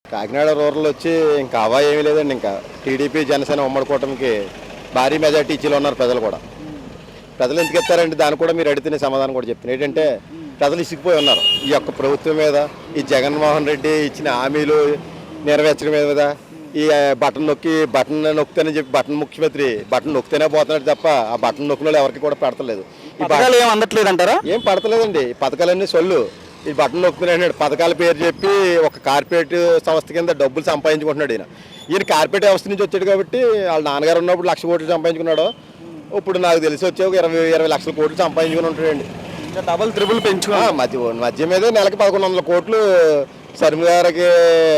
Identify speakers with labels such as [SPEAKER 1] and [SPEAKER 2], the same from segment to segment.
[SPEAKER 1] Kakinada rural వచ్చి ఇంకా అవా ఏమీ లేదండి. ఇంకా టీడీపీ జనసేన ఉమ్మడి కూటమికి భారీ మెజార్టీ ఇచ్చిలో ఉన్నారు ప్రజలు కూడా. ప్రజలు ఎందుకు ఎత్తారంటే దాన్ని కూడా మీరు అడిగితే సమాధానం కూడా చెప్తున్నారు. ఏంటంటే ప్రజలు ఇసిగిపోయి ఉన్నారు ఈ యొక్క ప్రభుత్వం మీద, ఈ జగన్మోహన్ రెడ్డి ఇచ్చిన హామీలు నెరవేర్చడం మీద. ఈ బటన్ నొక్కుతానని చెప్పి ముఖ్యమంత్రి బటన్ నొక్కుతేనే పోతున్నాడు తప్ప ఆ బటన్ నొక్కిన వాళ్ళు ఎవరికి కూడా పెడతలేదు.
[SPEAKER 2] ఈ పథకాలు ఏం అందట్లేదు అంటారా?
[SPEAKER 1] ఏం పడతలేదండి. ఈ పథకాలన్నీ సొల్లు. ఈ బటన్ నొక్కుతున్నాడు పథకాల పేరు చెప్పి ఒక కార్పొరేట్ సంస్థ కింద డబ్బులు సంపాదించుకుంటున్నాడు. ఈయన కార్పొరేట్ వ్యవస్థ నుంచి వచ్చాడు కాబట్టి వాళ్ళ నాన్నగారు ఉన్నప్పుడు 1,00,000 కోట్లు సంపాదించుకున్నాడు. ఇప్పుడు నాకు తెలిసి వచ్చే ఒక 20 లక్షల కోట్లు సంపాదించుకుని ఉంటాడండి.
[SPEAKER 2] డబల్ త్రిబుల్ పెంచుకో
[SPEAKER 1] మధ్య మీద నెలకి 1,100 కోట్లు శర్మ గారికి,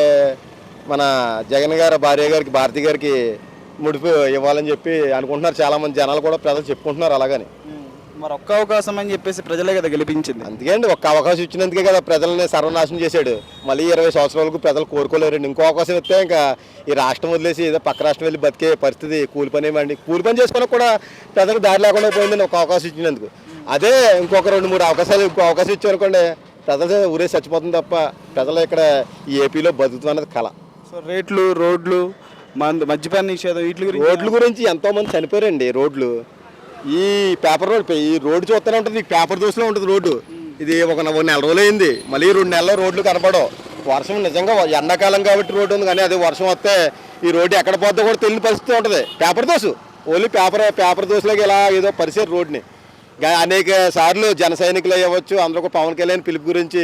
[SPEAKER 1] మన జగన్ గారి భార్య గారికి, భారతి గారికి ముడిపి ఇవ్వాలని చెప్పి అనుకుంటున్నారు చాలామంది జనాలు కూడా. ప్రజలు చెప్పుకుంటున్నారు అలాగని.
[SPEAKER 2] మరి ఒక్క అవకాశం అని చెప్పేసి ప్రజలే కదా గెలిపించింది.
[SPEAKER 1] అందుకే అండి, ఒక్క అవకాశం ఇచ్చినందుకే కదా ప్రజల్ని సర్వనాశనం చేశాడు. మళ్ళీ 20 సంవత్సరాలకు ప్రజలు కోరుకోలేరండి. ఇంకో అవకాశం ఇస్తే ఇంకా ఈ రాష్ట్రం వదిలేసి ఏదో పక్క రాష్ట్రం వెళ్ళి బతికే పరిస్థితి. కూలి పని చేసుకోవడానికి కూడా ప్రజలకు దారి లేకుండా పోయిందండి ఒక అవకాశం ఇచ్చినందుకు. అదే ఇంకొక 2-3 అవకాశాలు ఇంకో అవకాశం ఇచ్చామనుకోండి ప్రజలు ఊరే చచ్చిపోతుంది తప్ప ప్రజలు ఇక్కడ ఈ ఏపీలో బతుకుతుంది అన్నది కళ.
[SPEAKER 2] సో రేట్లు, రోడ్లు, మద్యపాన నిషేధం,
[SPEAKER 1] రోడ్ల గురించి ఎంతోమంది చనిపోయారండి. రోడ్లు ఈ పేపర్ రోడ్, ఈ రోడ్డు చూస్తూనే ఉంటుంది, పేపర్ దోశలో ఉంటుంది రోడ్డు. ఇది ఒక నెల రోజులు అయింది, మళ్ళీ 2 నెలల్లో రోడ్లు కనపడవు. వర్షం నిజంగా ఎండాకాలం కాబట్టి రోడ్డు ఉంది, కానీ అదే వర్షం వస్తే ఈ రోడ్డు ఎక్కడ పోద్దో కూడా తెలియని పరిస్థితి ఉంటుంది. పేపర్ దోశ ఓన్లీ పేపర్ దోశలోకి ఇలా ఏదో పరిసర రోడ్ని అనేక సార్లు జన సైనికులు అవ్వచ్చు, అందరూ పవన్ కళ్యాణ్ పిలుపు గురించి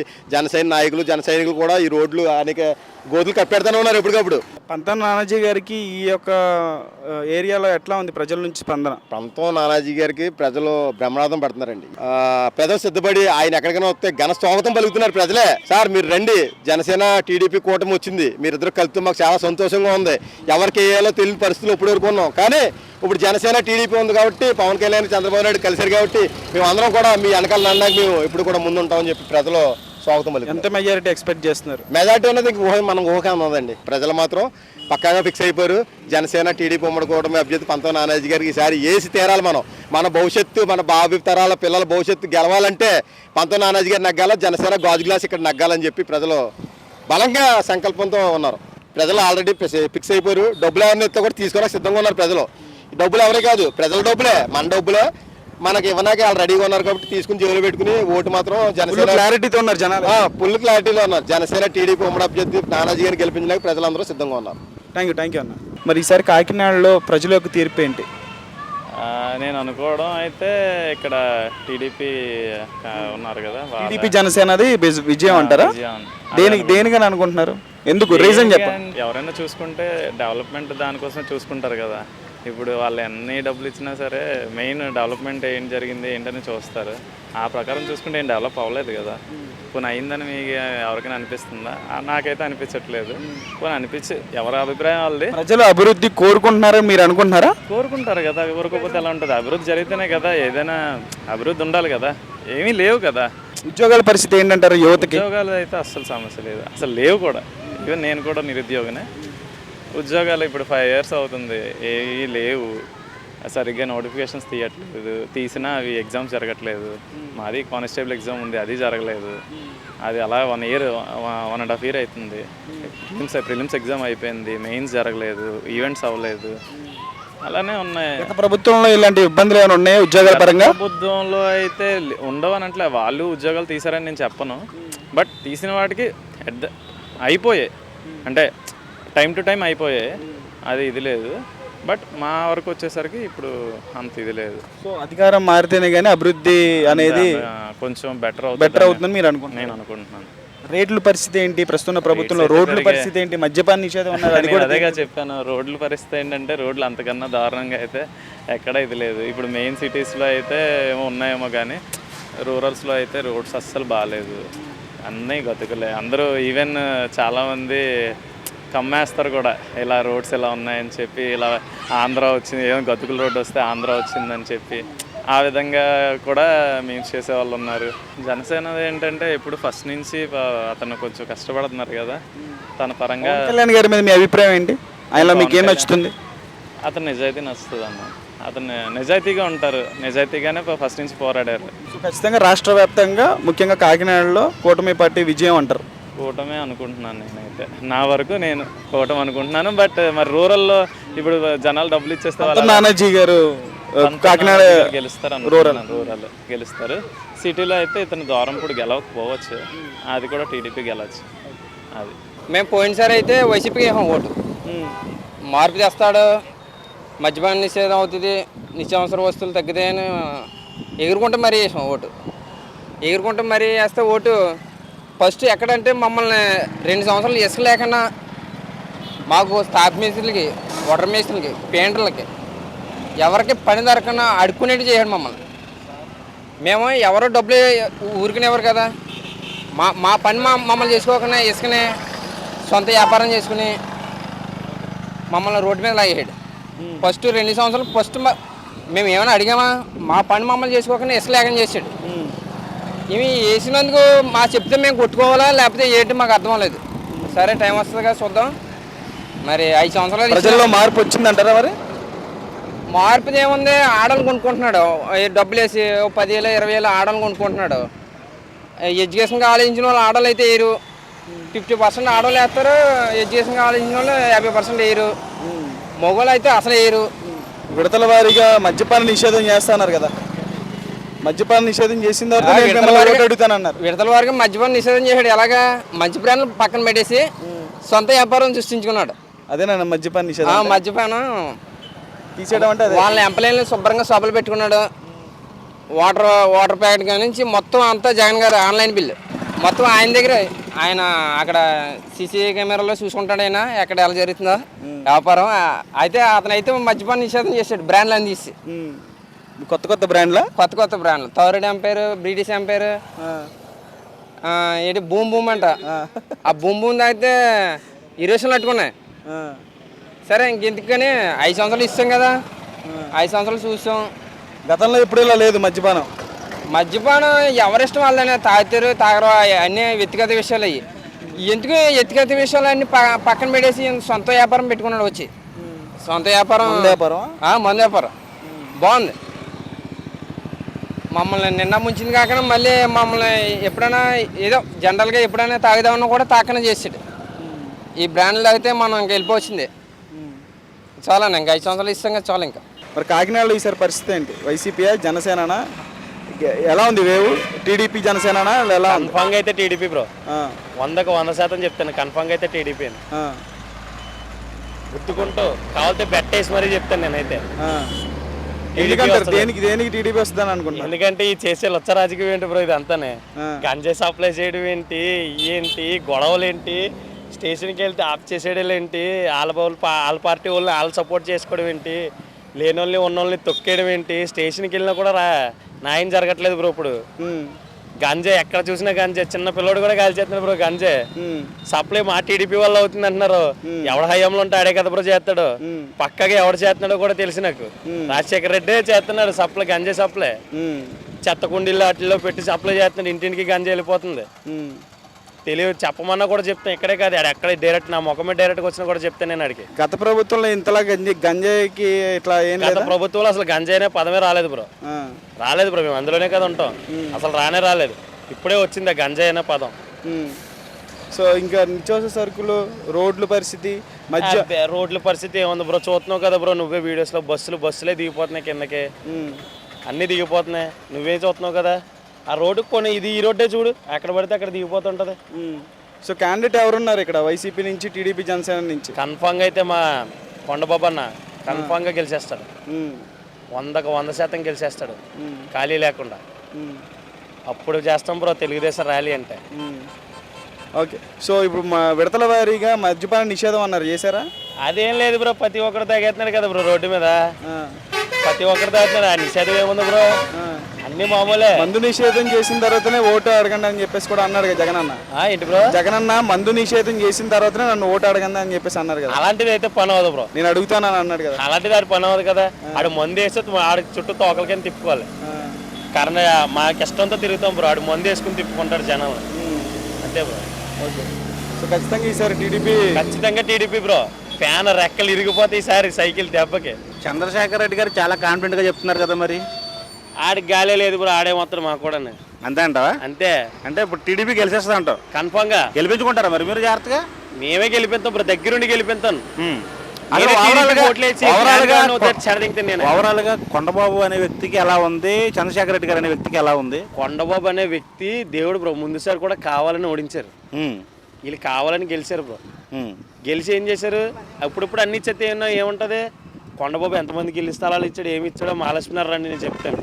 [SPEAKER 1] జన సైనికులు కూడా ఈ రోడ్లు అనేక గోతులు కప్పెడతానే ఉన్నారు ఎప్పటికప్పుడు.
[SPEAKER 2] పంతం నానాజీ గారికి ఈ యొక్క ఏరియాలో ఎట్లా ఉంది ప్రజల నుంచి స్పందన?
[SPEAKER 1] పంతం నానాజీ గారికి ప్రజలు బ్రహ్మనాథం పడుతున్నారండి. ప్రజలు సిద్ధపడి ఆయన ఎక్కడికైనా వస్తే ఘన స్వాగతం పలుకుతున్నారు ప్రజలే. సార్ మీరు రండి, జనసేన టీడీపీ కూటమి వచ్చింది, మీరిద్దరు కలిస్తే మాకు చాలా సంతోషంగా ఉంది. ఎవరికి వేయాలో తెలియని పరిస్థితులు ఇప్పుడు వరకు ఉన్నాం, కానీ ఇప్పుడు జనసేన టీడీపీ ఉంది కాబట్టి, పవన్ కళ్యాణ్ చంద్రబాబు నాయుడు కలిసారు కాబట్టి మేము అందరం కూడా మీ వెనకాల నన్నాక మేము ఇప్పుడు కూడా ముందు ఉంటామని చెప్పి ప్రజలు స్వాగతం పలికి.
[SPEAKER 2] ఎంత మెజారిటీ ఎక్స్పెక్ట్ చేస్తున్నారు?
[SPEAKER 1] మెజారిటీ అనేది మనం ఊహగా ఉన్నదండి. ప్రజలు మాత్రం పక్కాగా ఫిక్స్ అయిపోయారు. జనసేన టీడీపీ ఉమ్మడి కూటమి అభ్యర్థి పంతం నానాజీ గారికి ఈసారి ఏసి తీరాలి. మన భవిష్యత్తు, మన బాబు తరాల పిల్లల భవిష్యత్తు గెలవాలంటే పంతం నానాజీ గారు నగ్గాల, జనసేన గాజు గ్లాస్ ఇక్కడ నగ్గాలని చెప్పి ప్రజలు బలంగా సంకల్పంతో ఉన్నారు. ప్రజలు ఆల్రెడీ ఫిక్స్ అయిపోయారు. డబ్బులు ఎవరిని ఎత్తే కూడా తీసుకోవడానికి సిద్ధంగా ఉన్నారు ప్రజలు. డబ్బులు ఎవరే కాదు, ప్రజల డబ్బులే, మన డబ్బులే మనకి ఇవ్వడానికి వాళ్ళు రెడీగా ఉన్నారు కాబట్టి తీసుకుని జైలు పెట్టుకుని ఓటు మాత్రం జనసేన
[SPEAKER 2] క్లారిటీతో ఉన్నారు జనాలు,
[SPEAKER 1] ఫుల్ క్లారిటీలో ఉన్నారు. జనసేన టీడీపీ ఉమ్మడి అభ్యర్థి నానాజీ గారిని గెలిపించడానికి ప్రజలందరూ సిద్ధంగా ఉన్నారు.
[SPEAKER 2] థ్యాంక్ యూ అన్న. మరి ఈసారి కాకినాడలో ప్రజల యొక్క తీర్పు ఏంటి?
[SPEAKER 3] నేను అనుకోవడం అయితే ఇక్కడ టీడీపీ ఉన్నారు కదా,
[SPEAKER 2] టీడీపీ జనసేనది విజయం అంటారా? దేనికని అనుకుంటున్నారు? ఎందుకు, రీజన్ చెప్పండి.
[SPEAKER 3] ఎవరైనా చూసుకుంటే డెవలప్మెంట్ దానికోసం చూసుకుంటారు కదా. ఇప్పుడు వాళ్ళు ఎన్ని డబ్బులు ఇచ్చినా సరే మెయిన్ డెవలప్మెంట్ ఏం జరిగింది ఏంటని చూస్తారు. ఆ ప్రకారం చూసుకుంటే ఏం డెవలప్ అవ్వలేదు కదా. కొన్ని అయిందని మీకు ఎవరికైనా అనిపిస్తుందా? నాకైతే అనిపించట్లేదు. కొన్ని అనిపించి ఎవరి అభిప్రాయం వాళ్ళది.
[SPEAKER 2] ప్రజలు అభివృద్ధి కోరుకుంటున్నారని మీరు అనుకుంటున్నారా?
[SPEAKER 3] కోరుకుంటారు కదా, కోరుకోకపోతే ఎలా ఉంటుంది? అభివృద్ధి జరిగితేనే కదా ఏదైనా అభివృద్ధి ఉండాలి కదా. ఏమీ లేవు కదా.
[SPEAKER 2] ఉద్యోగాల పరిస్థితి ఏంటంటారు యువతకి?
[SPEAKER 3] ఉద్యోగాలు అయితే అస్సలు సమస్య లేదు, అసలు లేవు కూడా. ఈవెన్ నేను కూడా నిరుద్యోగనే. ఉద్యోగాలు ఇప్పుడు 5 years అవుతుంది, ఏవి లేవు. సరిగ్గా నోటిఫికేషన్స్ తీయట్లేదు, తీసినా అవి ఎగ్జామ్స్ జరగట్లేదు. మాది కానిస్టేబుల్ ఎగ్జామ్ ఉంది, అది జరగలేదు. అది అలా 1 year 1.5 year అవుతుంది. ప్రిలిమ్స్ ఎగ్జామ్ అయిపోయింది, మెయిన్స్ జరగలేదు, ఈవెంట్స్ అవ్వలేదు. అలానే ఉన్నాయి.
[SPEAKER 2] ప్రభుత్వంలో ఇలాంటి ఇబ్బందులు ఏమైనా ఉన్నాయా ఉద్యోగాల పరంగా?
[SPEAKER 3] ప్రభుత్వంలో అయితే ఉండవనట్లే. వాళ్ళు ఉద్యోగాలు తీసారని నేను చెప్పను, బట్ తీసిన వాటికి అయిపోయాయి, అంటే టైం టు టైం అయిపోయాయి. అది ఇది లేదు. బట్ మా వరకు వచ్చేసరికి ఇప్పుడు అంత ఇది లేదు.
[SPEAKER 2] సో అధికారం మారితేనే కానీ అభివృద్ధి అనేది
[SPEAKER 3] కొంచెం బెటర్
[SPEAKER 2] అవుతుందని మీరు అనుకుంటున్నారు?
[SPEAKER 3] నేను అనుకుంటున్నాను.
[SPEAKER 2] రేట్ల పరిస్థితి ఏంటి ప్రస్తుతం ప్రభుత్వంలో? రోడ్ల పరిస్థితి ఏంటి? మద్యపాన నిషేధం ఉన్నది,
[SPEAKER 3] అదేగా చెప్పాను. రోడ్ల పరిస్థితి ఏంటంటే రోడ్లు అంతకన్నా దారుణంగా అయితే ఎక్కడ ఇది లేదు. ఇప్పుడు మెయిన్ సిటీస్లో అయితే ఏమో ఉన్నాయేమో, కానీ రూరల్స్లో అయితే రోడ్స్ అస్సలు బాగాలేదు. అన్నీ గతుకులే. అందరూ ఈవెన్ చాలామంది కమ్మేస్తారు కూడా, ఇలా రోడ్స్ ఇలా ఉన్నాయని చెప్పి. ఇలా ఆంధ్ర వచ్చింది, ఏమో గతుకుల రోడ్డు వస్తే ఆంధ్ర వచ్చిందని చెప్పి ఆ విధంగా కూడా మీమ్స్ చేసేవాళ్ళు ఉన్నారు. జనసేన ఏంటంటే ఇప్పుడు ఫస్ట్ నుంచి అతను కొంచెం కష్టపడుతున్నారు కదా తన పరంగా.
[SPEAKER 2] కళ్యాణ్ గారి మీద మీ అభిప్రాయం ఏంటి? ఆయనలో మీకు ఏం నచ్చుతుంది?
[SPEAKER 3] అతను నిజాయితీ నచ్చుతుంది అన్న. అతను నిజాయితీగా ఉంటారు, నిజాయితీగానే ఫస్ట్ నుంచి పోరాడారు.
[SPEAKER 2] ఖచ్చితంగా రాష్ట్ర వ్యాప్తంగా ముఖ్యంగా కాకినాడలో కూటమి పార్టీ విజయం అంటారు.
[SPEAKER 3] కూటమే అనుకుంటున్నాను నేనైతే. నా వరకు నేను కూటమి అనుకుంటున్నాను. బట్ మరి రూరల్లో ఇప్పుడు జనాలు డబ్బులు ఇచ్చేస్తే వాళ్ళు
[SPEAKER 2] నానాజీ గారు కాకినాడ
[SPEAKER 3] గెలుస్తారు అనుకుంటున్నాను. రూరల్ గెలుస్తారు. సిటీలో అయితే ఇతను దూరంపూడి గెలవకపోవచ్చు, అది కూడా టీడీపీ గెలవచ్చు. అది
[SPEAKER 4] మేము పోయినసారి అయితే వైసీపీకి వేసాం ఓటు. మార్పు తెస్తాడు, మద్యపాన నిషేధం అవుతుంది, నిత్యావసర వస్తువులు తగ్గుతాయని ఎగురుకుంటే మరీ వేసాం ఓటు. ఎగురుకుంటే మరీ వేస్తే ఓటు ఫస్ట్ ఎక్కడంటే మమ్మల్ని 2 సంవత్సరాలు ఇసుక లేకుండా మాకు స్టాఫ్ మేస్త్రులకి, వాటర్ మేస్త్రులకి, పెయింటర్లకి ఎవరికి పని దొరకకుండా అడుక్కునేట్టు చేయడు మమ్మల్ని. మేము ఎవరో డబ్బులు ఊరికినేవారు కదా, మా పని మమ్మల్ని చేసుకోకుండా ఇసుకనే సొంత వ్యాపారం చేసుకుని మమ్మల్ని రోడ్డు మీద లాగేసాడు. ఫస్ట్ 2 సంవత్సరాలు ఫస్ట్ మేము ఏమైనా అడిగామా, మా పని మమ్మల్ని చేసుకోకుండా ఇసుక లేకుండా చేసాడు. ఇవి వేసినందుకు మా చెప్తే మేము కొట్టుకోవాలా లేకపోతే ఏంటి మాకు అర్థం లేదు. సరే టైం వస్తుంది కదా చూద్దాం. మరి 5 సంవత్సరాలు
[SPEAKER 2] ప్రజల్లో మార్పు వచ్చిందంటారా? మరి
[SPEAKER 4] మార్పుది ఏముంది, ఆడలు కొనుక్కుంటున్నాడు డబ్బులు వేసి 10,000 20,000 ఆడలు కొనుక్కుంటున్నాడు. ఎడ్యుకేషన్కి ఆలోచించిన వాళ్ళు ఆడలు అయితే వేయరు, 50% ఆడవాళ్ళు వేస్తారు. ఎడ్యుకేషన్కి ఆలోచించిన వాళ్ళు 50% వేయరు. మగవాళ్ళు అయితే అసలు వేయరు.
[SPEAKER 2] విడతల వారీగా మద్యపాన నిషేధం చేస్తున్నారు కదా, మద్యపాన నిషేధం చేసిన తర్వాత అడుగుతానన్నారు.
[SPEAKER 4] విడతల వారికి మద్యపాన నిషేధం చేశాడు. ఎలాగా మంచి బ్రాండ్లు పక్కన పెట్టేసి సొంత వ్యాపారం సృష్టించుకున్నాడు.
[SPEAKER 2] అదేనా మద్యపాన నిషేధం?
[SPEAKER 4] మద్యపానం
[SPEAKER 2] తీసేయడం అంటే
[SPEAKER 4] వాళ్ళ ఎంప్లాయీలను శుభ్రంగా సభలు పెట్టుకున్నాడు. వాటర్ ప్యాకెట్ కాడి నుంచి మొత్తం అంతా జగన్ గారు ఆన్లైన్ బిల్లు మొత్తం ఆయన దగ్గర. ఆయన అక్కడ సీసీ కెమెరాలో చూసుకుంటాడు ఆయన ఎక్కడ ఎలా జరుగుతుందో వ్యాపారం. అయితే అతనైతే మద్యపాన నిషేధం చేశాడు బ్రాండ్లు అని తీసి.
[SPEAKER 2] కొత్త బ్రాండ్లా?
[SPEAKER 4] కొత్త బ్రాండ్లు థర్డ్ ఎంపైర్, బ్రిటిష్ ఎంపైర్, ఏంటి బూమ్ బూమ్ అంట. ఆ బూమ్ బూమ్ తాగితే ఇరేషన్లు పట్టుకున్నాయి. సరే ఇంకెందుకని 5 సంవత్సరాలు ఇస్తాం కదా, 5 సంవత్సరాలు చూసాం.
[SPEAKER 2] గతంలో ఎప్పుడు ఇలా లేదు మద్యపానం.
[SPEAKER 4] మద్యపానం ఎవరిష్టం వాళ్ళనే తాగుతారు తాగరు, అన్నీ వ్యక్తిగత విషయాలు. అవి ఎందుకు వ్యక్తిగత విషయాలు అన్నీ పక్కన పెట్టేసి సొంత వ్యాపారం పెట్టుకున్నాడు. వచ్చి సొంత వ్యాపారం, మందు వ్యాపారం బాగుంది. మమ్మల్ని నిన్న ముంచింది కాకుండా మళ్ళీ మమ్మల్ని ఎప్పుడైనా ఏదో జనరల్గా ఎప్పుడైనా తాగుదామన్నా కూడా తాకనే చేసాడు. ఈ బ్రాండ్లు తాగితే మనం ఇంక వెళ్ళిపోవచ్చింది. చాలా ఇంకా 5 సంవత్సరాలు ఇస్తాం కదా చాలా. ఇంకా
[SPEAKER 2] మరి కాకినాడలో ఈసారి పరిస్థితి ఏంటి? వైసీపీయా జనసేననా? ఎలా ఉంది వేవు? టీడీపీ జనసేననా ఎలా?
[SPEAKER 5] కన్ఫామ్గా అయితే టీడీపీ బ్రో. 100కు 100% చెప్తాను, కన్ఫామ్గా అయితే టీడీపీ అని గుర్తుకుంటూ కావాలంటే బెట్టేసి మరీ చెప్తాను నేనైతే.
[SPEAKER 2] దేనికి టీడీపీ వస్తుందని అనుకుంటున్నాను.
[SPEAKER 5] ఎందుకంటే ఈ చేసే లొచ్చ రాజకీయం ఏంటి బ్రో, ఇది అంతానే గంజాయి సప్లై చేయడం ఏంటి, ఏంటి గొడవలు ఏంటి, స్టేషన్కి వెళ్తే ఆఫ్ చేసేయడం ఏంటి, వాళ్ళ పార్టీ వాళ్ళని వాళ్ళు సపోర్ట్ చేసుకోవడం ఏంటి, లేని వాళ్ళని ఉన్న వాళ్ళని తొక్కేయడం ఏంటి, స్టేషన్కి వెళ్ళినా కూడా న్యాయం జరగట్లేదు బ్రో. ఇప్పుడు గంజాయి ఎక్కడ చూసినా గంజాయి, చిన్న పిల్లోడు కూడా కాల్చేస్తున్నాడు బ్రో గంజాయి. సప్లై మా టీడీపీ వల్ల అవుతుంది అంటున్నారు. ఎవడ హయాంలో ఉంటే ఆడే కదా బ్రో చేస్తాడు, పక్కగా ఎవడు చేస్తున్నాడో కూడా తెలిసి నాకు. రాజశేఖర రెడ్డి చేస్తున్నాడు సప్లై, గంజాయి సప్లై. చెత్త కుండీల్లో వాటిల్లో పెట్టి సప్లై చేస్తున్నాడు, ఇంటింటికి గంజాయి వెళ్ళిపోతుంది. తెలియదు చెప్పమన్నా కూడా చెప్తాను, ఇక్కడే కాదు ఎక్కడ డైరెక్ట్ నా ముఖమే డైరెక్ట్గా వచ్చినా కూడా చెప్తాను నేను అడిగి.
[SPEAKER 2] గత ప్రభుత్వంలో ఇంతలా గంజాయికి ఇట్లా ఏం
[SPEAKER 5] గత ప్రభుత్వంలో అసలు గంజాయి అనే పదమే రాలేదు బ్రో. రాలేదు బ్రో, మేము అందులోనే కదా ఉంటాం, అసలు రాలేదు. ఇప్పుడే వచ్చింది ఆ గంజాయి అనే పదం.
[SPEAKER 2] సో ఇంకా నిత్యావసర సరుకులు, రోడ్ల పరిస్థితి,
[SPEAKER 5] రోడ్ల పరిస్థితి ఏముంది బ్రో, చూస్తున్నావు కదా బ్రో నువ్వే వీడియోస్లో. బస్సులే దిగిపోతున్నాయి కిందకి, అన్నీ దిగిపోతున్నాయి, నువ్వే చూస్తున్నావు కదా. ఆ రోడ్డుకి కొన్ని ఈ రోడ్డే చూడు, ఎక్కడ పడితే అక్కడ దిగిపోతుంటది.
[SPEAKER 2] సో క్యాండిడేట్ ఎవరున్నారు ఇక్కడ వైసీపీ నుంచి, టీడీపీ జనసేన నుంచి?
[SPEAKER 5] కన్ఫామ్గా అయితే మా కొండబాబు అన్న కన్ఫామ్గా గెలిచేస్తాడు, 100కు 100% గెలిచేస్తాడు ఖాళీ లేకుండా. అప్పుడు చేస్తాం బ్రో తెలుగుదేశం ర్యాలీ అంటే.
[SPEAKER 2] ఓకే, సో ఇప్పుడు మా విడతల వారీగా మద్యపాన నిషేధం అన్నారు, చేశారా?
[SPEAKER 5] అదేం లేదు బ్రో, ప్రతి ఒక్కరు తాగేస్తున్నాడు కదా బ్రో రోడ్డు మీద, ప్రతి ఒక్కరు తాగుతున్నాడు. ఆ నిషేధం ఏముంది బ్రో, అన్ని మామూలే.
[SPEAKER 2] మందు నిషేధం చేసిన తర్వాతనే ఓటు అడగండి అని చెప్పేసి కూడా అన్నాడు కదా జగన్ అన్న.
[SPEAKER 5] ఏంటి బ్రో,
[SPEAKER 2] జగన్ అన్న మందు నిషేధం చేసిన తర్వాతనే నన్ను ఓటు అడగండి అని చెప్పేసి అన్నారు కదా.
[SPEAKER 5] అలాంటిది అయితే పని అవ్వదు బ్రో,
[SPEAKER 2] నేను అడుగుతానని అన్నాడు కదా.
[SPEAKER 5] అలాంటిది ఆడు పని అవ్వదు కదా. ఆడు మందు వేస్తే ఆడి చుట్టూ తోకలకైనా తిప్పుకోవాలి. కారణం మాకు ఇష్టంతో తిరుగుతాం బ్రో, ఆడు మందు వేసుకుని తిప్పుకుంటాడు జనాలు, అంతే బ్రో.
[SPEAKER 2] ఓకే, సో ఖచ్చితంగా ఈసారి
[SPEAKER 5] టీడీపీ బ్రో. ఫ్యాన్ రెక్కలు ఇరిగిపోతే ఈసారి సైకిల్ దెబ్బకి.
[SPEAKER 6] చంద్రశేఖర్ రెడ్డి గారు చాలా కాన్ఫిడెంట్గా చెప్తున్నారు కదా, మరి
[SPEAKER 5] ఆడికి గాలే లేదు బ్రో, ఆడే మాత్రం మాకు కూడా
[SPEAKER 6] అంతే అంటావా?
[SPEAKER 5] అంతే.
[SPEAKER 6] అంటే ఇప్పుడు టీడీపీ గెలిచేస్తుంది అంటావు?
[SPEAKER 5] కన్ఫామ్గా
[SPEAKER 6] గెలిపించుకుంటారా మరి మీరు జాగ్రత్తగా?
[SPEAKER 5] మేమే గెలిపిస్తాం బ్రో, దగ్గరుండి గెలిపిస్తాను.
[SPEAKER 6] అసలు ఓవరాల్ గా కొండబాబు అనే వ్యక్తికి ఎలా ఉంది, చంద్రశేఖర్ రెడ్డి గారు అనే వ్యక్తికి ఎలా ఉంది?
[SPEAKER 5] కొండబాబు అనే వ్యక్తి దేవుడు బ్రో, ముందుసారి కూడా కావాలని ఓడించారు, వీళ్ళు కావాలని గెలిచారు బ్రో. గెలిచి ఏం చేశారు, అప్పుడప్పుడు అన్ని ఇచ్చేస్తే ఏముంటది, కొండబాబు ఎంతమందికి ఇల్లు స్థలాలు ఇచ్చాడు, ఏమి ఇచ్చాడో మహాలక్ష్మి నగర్ రండి నేను చెప్తాను.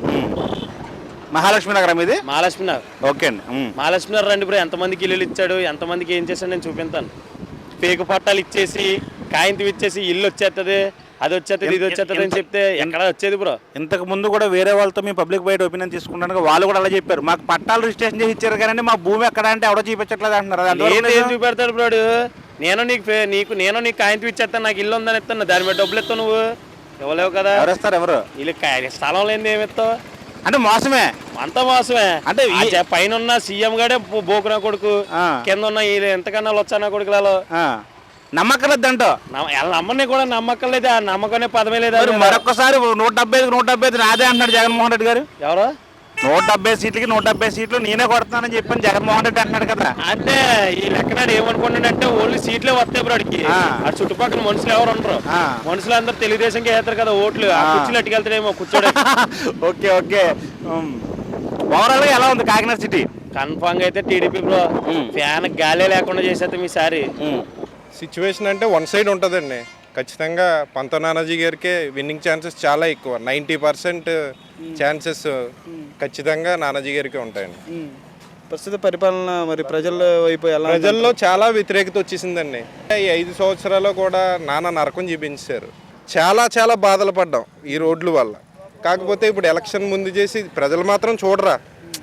[SPEAKER 6] మహాలక్ష్మి నగరం ఇది?
[SPEAKER 5] మహాలక్ష్మి నగర్.
[SPEAKER 6] ఓకే అండి.
[SPEAKER 5] మహాలక్ష్మి నగర్ రండి బ్రో, ఎంతమందికి ఇల్లు ఇచ్చాడు, ఎంతమందికి ఏం చేశాడు నేను చూపిస్తాను. పేకు పట్టాలు ఇచ్చేసి కాయింతి ఇచ్చేసి ఇల్లు వచ్చేస్తుంది, అది వచ్చేస్తుంది, ఇది వచ్చేస్తుంది అని చెప్తే ఎక్కడ వచ్చేది బ్రో?
[SPEAKER 6] ఇంతకు ముందు కూడా వేరే వాళ్ళతో మేము పబ్లిక్ బయట ఒపీనియన్ తీసుకుంటాను, వాళ్ళు కూడా అలా చెప్పారు, మాకు పట్టాలు రిజిస్ట్రేషన్ చేసి ఇచ్చారు కానీ మా భూమి ఎక్కడ అంటే ఎవడో చూపించట్లేదు అంటున్నారు.
[SPEAKER 5] ఏం చూపెడతాడు బ్రోడు? నేను నీకు కాయింతి ఇచ్చేస్తాను, నాకు ఇల్లు ఉందని ఇస్తాను, దాని మీద డబ్బులు ఇస్తావు, నువ్వు ఇవ్వలేవు కదా.
[SPEAKER 6] ఎవరేస్తారు? ఎవరు
[SPEAKER 5] వీళ్ళు స్థలం లేని ఏమి ఇస్తావు?
[SPEAKER 6] అంటే మోసమే,
[SPEAKER 5] అంత మోసమే.
[SPEAKER 6] అంటే
[SPEAKER 5] పైన ఉన్న సీఎం గాడే బోకునా కొడుకు, కింద ఉన్న ఎంతకన్నా వచ్చానా కొడుకులలో
[SPEAKER 6] నమ్మకలేదంట.
[SPEAKER 5] నమ్మని కూడా నమ్మకం లేదా, నమ్మకనే పదమే లేదా.
[SPEAKER 6] మరొకసారి 175 నాదే అంటున్నాడు జగన్మోహన్ రెడ్డి గారు.
[SPEAKER 5] ఎవరు?
[SPEAKER 6] 170 సీట్లకి 170 సీట్లు నేనే కొడతానని చెప్పని జగన్మోహన్ రెడ్డి అంటున్నాడు కదా.
[SPEAKER 5] అంటే ఈ లెక్కనాడు ఏమనుకున్నాడంటే ఓన్లీ సీట్లే వస్తాయి బ్రో అడిగి, ఆ చుట్టుపక్కల మనుషులు ఎవరు ఉండరు, మనుషులు అందరూ తెలుగుదేశంకి వేస్తారు కదా ఓట్లు, కుర్చీలు అట్టుకెళ్తాడేమో కూర్చోడే.
[SPEAKER 6] Okay okay. ఓవరాల్ గా ఎలా ఉంది కాకినాడ సిటీ?
[SPEAKER 5] కన్ఫామ్ గా అయితే టీడీపీ బ్రో, ఫ్యాన్ గాలే లేకుండా చేసేస్తాం ఈసారి.
[SPEAKER 7] సిచ్యువేషన్ అంటే వన్ సైడ్ ఉంటుందండి ఖచ్చితంగా. పంత నానాజీ గారికే విన్నింగ్ ఛాన్సెస్ చాలా ఎక్కువ, 90% ఛాన్సెస్ ఖచ్చితంగా నానాజీ గారికే ఉంటాయండి.
[SPEAKER 2] ప్రస్తుత పరిపాలన మరి ప్రజల వైపు ఎలా?
[SPEAKER 7] ప్రజల్లో చాలా వ్యతిరేకత వచ్చేసిందండి. ఈ 5 సంవత్సరాలు కూడా నానా నరకం చూపించారు, చాలా చాలా బాధలు పడ్డాం ఈ రోడ్ల వల్ల. కాకపోతే ఇప్పుడు ఎలక్షన్ ముందు చేసి ప్రజలు మాత్రం చూడరా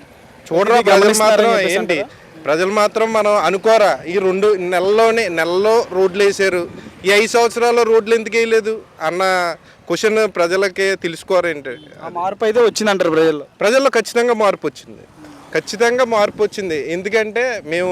[SPEAKER 7] ప్రజలు మాత్రం ఏంటి, ప్రజలు మాత్రం మనం అనుకోరా ఈ 2 నెలల్లో రోడ్లు వేసారు, ఈ 5 సంవత్సరాల్లో రోడ్లు ఎందుకు వేయలేదు అన్న క్వశ్చన్ ప్రజలకే తెలుసుకోరేంటి.
[SPEAKER 2] మార్పు అయితే వచ్చిందంటారు
[SPEAKER 7] ప్రజల్లో ఖచ్చితంగా మార్పు వచ్చింది. ఎందుకంటే మేము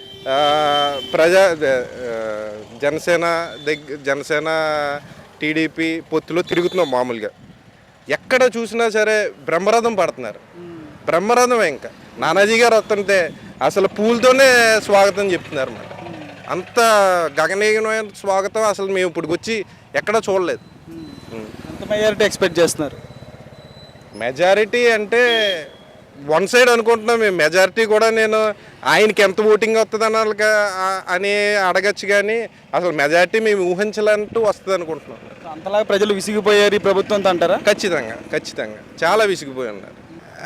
[SPEAKER 7] జనసేన టీడీపీ పొత్తులో తిరుగుతున్నాం. మామూలుగా ఎక్కడ చూసినా సరే బ్రహ్మరథం పడుతున్నారు, బ్రహ్మరథమే. ఇంకా నానాజీ గారు వస్తుంటే అసలు పూలతోనే స్వాగతం చెప్తున్నారు అన్నమాట. అంత గగనీయమైన స్వాగతం అసలు మేము ఇప్పుడు వచ్చి ఎక్కడ చూడలేదు.
[SPEAKER 2] ఎంత మెజారిటీ ఎక్స్పెక్ట్ చేస్తున్నారు?
[SPEAKER 7] మెజారిటీ అంటే వన్ సైడ్ అనుకుంటున్నాం మేము. మెజారిటీ కూడా నేను ఆయనకి ఎంత ఓటింగ్ వస్తుంది అని అడగచ్చు, కానీ అసలు మెజారిటీ మేము ఊహించాలంటూ వస్తుంది అనుకుంటున్నాం.
[SPEAKER 2] అంతలాగా ప్రజలు విసిగిపోయారు ఈ ప్రభుత్వంతో అంటారా?
[SPEAKER 7] ఖచ్చితంగా చాలా విసిగిపోయి ఉన్నారు.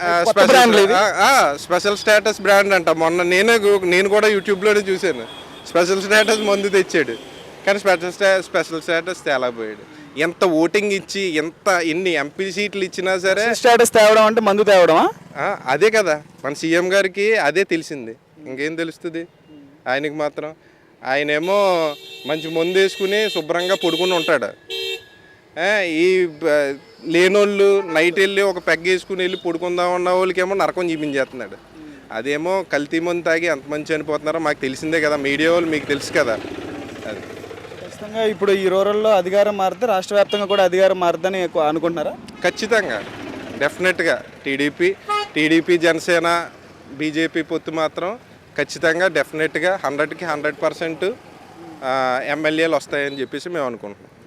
[SPEAKER 7] స్పెషల్ స్టేటస్ బ్రాండ్ అంట. మొన్న నేను కూడా యూట్యూబ్లోనే చూశాను, స్పెషల్ స్టేటస్ మందు తెచ్చాడు, కానీ స్పెషల్ స్టేటస్ తేలేకపోయాడు. ఎంత ఓటింగ్ ఇచ్చి ఎన్ని ఎంపీ సీట్లు ఇచ్చినా సరే
[SPEAKER 2] స్టేటస్ తేవడం అంటే మందు తేవడమా?
[SPEAKER 7] అదే కదా మన సీఎం గారికి అదే తెలిసింది, ఇంకేం తెలుస్తుంది ఆయనకి మాత్రం. ఆయనేమో మంచి మందు వేసుకుని శుభ్రంగా పడుకుని ఉంటాడు, ఈ లేనోళ్ళు నైట్ వెళ్ళి ఒక పెగ్గ వేసుకుని వెళ్ళి పడుకుందాం ఉన్న వాళ్ళకేమో నరకం చూపించేస్తున్నాడు. అదేమో కల్తీ మందు తాగి ఎంతమంది చనిపోతున్నారో మాకు తెలిసిందే కదా, మీడియా వాళ్ళు మీకు తెలుసు కదా. అది
[SPEAKER 2] ఖచ్చితంగా ఇప్పుడు ఈ రూరల్లో అధికారం మారితే రాష్ట్ర వ్యాప్తంగా కూడా అధికారం మారుద్దని అనుకుంటున్నారా?
[SPEAKER 7] ఖచ్చితంగా డెఫినెట్గా టీడీపీ జనసేన బీజేపీ పొత్తు మాత్రం ఖచ్చితంగా డెఫినెట్గా 100% ఎమ్మెల్యేలు వస్తాయని చెప్పేసి మేము అనుకుంటున్నాం.